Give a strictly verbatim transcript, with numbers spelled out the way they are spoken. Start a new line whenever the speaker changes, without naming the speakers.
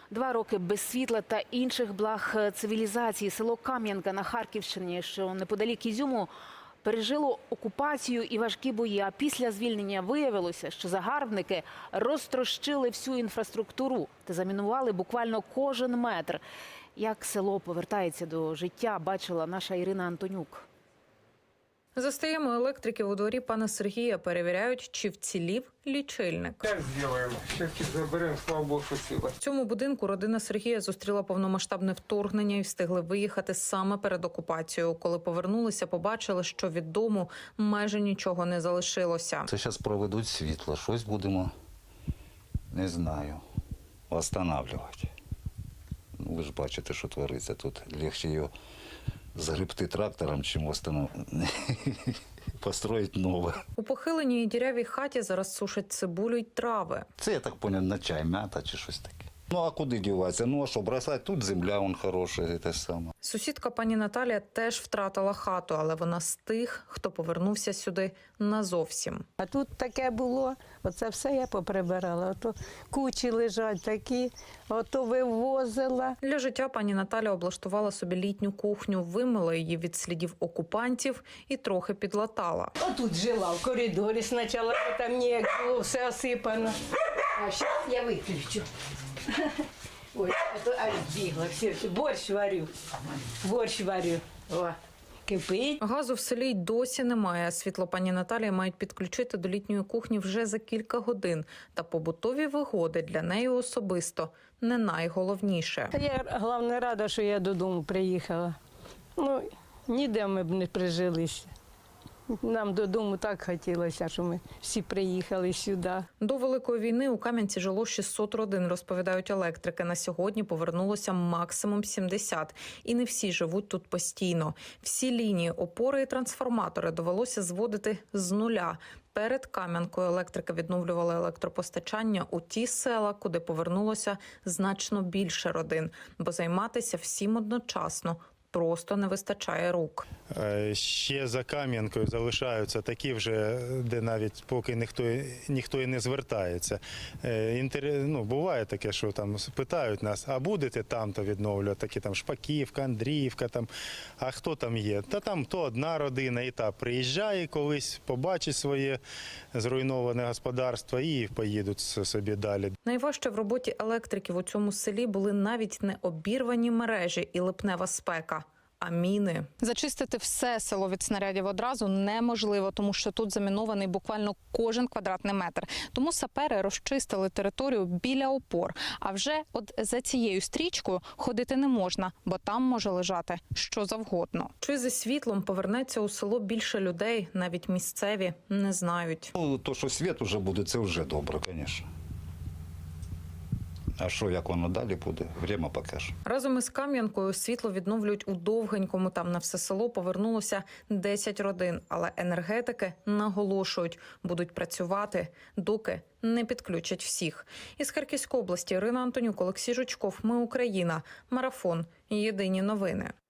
Два роки без світла та інших благ цивілізації. Село Кам'янка на Харківщині, що неподалік Ізюму, пережило окупацію і важкі бої. А після звільнення виявилося, що загарбники розтрощили всю інфраструктуру та замінували буквально кожен метр. Як село повертається до життя, бачила наша Ірина Антонюк.
Застаємо електриків у дворі пана Сергія, перевіряють, чи вцілів лічильник.
Так зробимо. Щось заберемо, слава Богу, що ціле.
В цьому будинку родина Сергія зустріла повномасштабне вторгнення і встигли виїхати саме перед окупацією. Коли повернулися, побачили, що від дому майже нічого не залишилося.
Це зараз проведуть світло, щось будемо, не знаю, встановлювати. Ну, ви ж бачите, що твориться тут. Легше його загребти трактором, чим построїти нове.
У похиленій і дірявій хаті зараз сушать цибулю й трави.
Це, я так зрозумів, на чай, м'ята чи щось таке. Ну, а куди діватися? Ну, а що, бросати? Тут земля, вон хороша, те саме.
Сусідка пані Наталія теж втратила хату, але вона з тих, хто повернувся сюди назовсім.
А тут таке було, оце все я поприбирала. Ото кучі лежать такі, ото вивозила.
Для життя пані Наталя облаштувала собі літню кухню, вимила її від слідів окупантів і трохи підлатала.
Отут жила в коридорі спочатку, бо там ніяк було, все осипано. А зараз я виключу. Ой, а то аж бігла, все, все, борщ варю, борщ варю. О, кипить.
Газу в селі й досі немає. Світло пані Наталії мають підключити до літньої кухні вже за кілька годин. Та побутові вигоди для неї особисто не найголовніше.
Та я, головне, рада, що я додому приїхала. Ну, ніде ми б не прижилися. Нам додому так хотілося, що ми всі приїхали сюди.
До Великої війни у Кам'янці жило шістсот родин, розповідають електрики. На сьогодні повернулося максимум сімдесят. І не всі живуть тут постійно. Всі лінії, опори і трансформатори довелося зводити з нуля. Перед Кам'янкою електрики відновлювали електропостачання у ті села, куди повернулося значно більше родин. Бо займатися всім одночасно просто не вистачає рук.
Ще за Кам'янкою залишаються такі вже, де навіть поки ніхто, ніхто і не звертається. Інтер... Ну, буває таке, що там питають нас, а будете там-то відновлювати, такі там Шпаківка, Андріївка, там, а хто там є? Та там то одна родина і та приїжджає колись, побачить своє зруйноване господарство і поїдуть собі далі.
Найважче в роботі електриків у цьому селі були навіть не обірвані мережі і липнева спека, а міни.
Зачистити все село від снарядів одразу неможливо, тому що тут замінований буквально кожен квадратний метр. Тому сапери розчистили територію біля опор. А вже от за цією стрічкою ходити не можна, бо там може лежати що завгодно.
Чи зі світлом повернеться у село більше людей, навіть місцеві не знають.
Ну, то, що світ вже буде, це вже добре, звісно. А що, як воно далі буде, время покаже.
Разом із Кам'янкою світло відновлюють у Довгенькому. Там на все село повернулося десять родин. Але енергетики наголошують, будуть працювати, доки не підключать всіх. Із Харківської області Ірина Антонюк, Олексій Жучков. Ми Україна. Марафон. Єдині новини.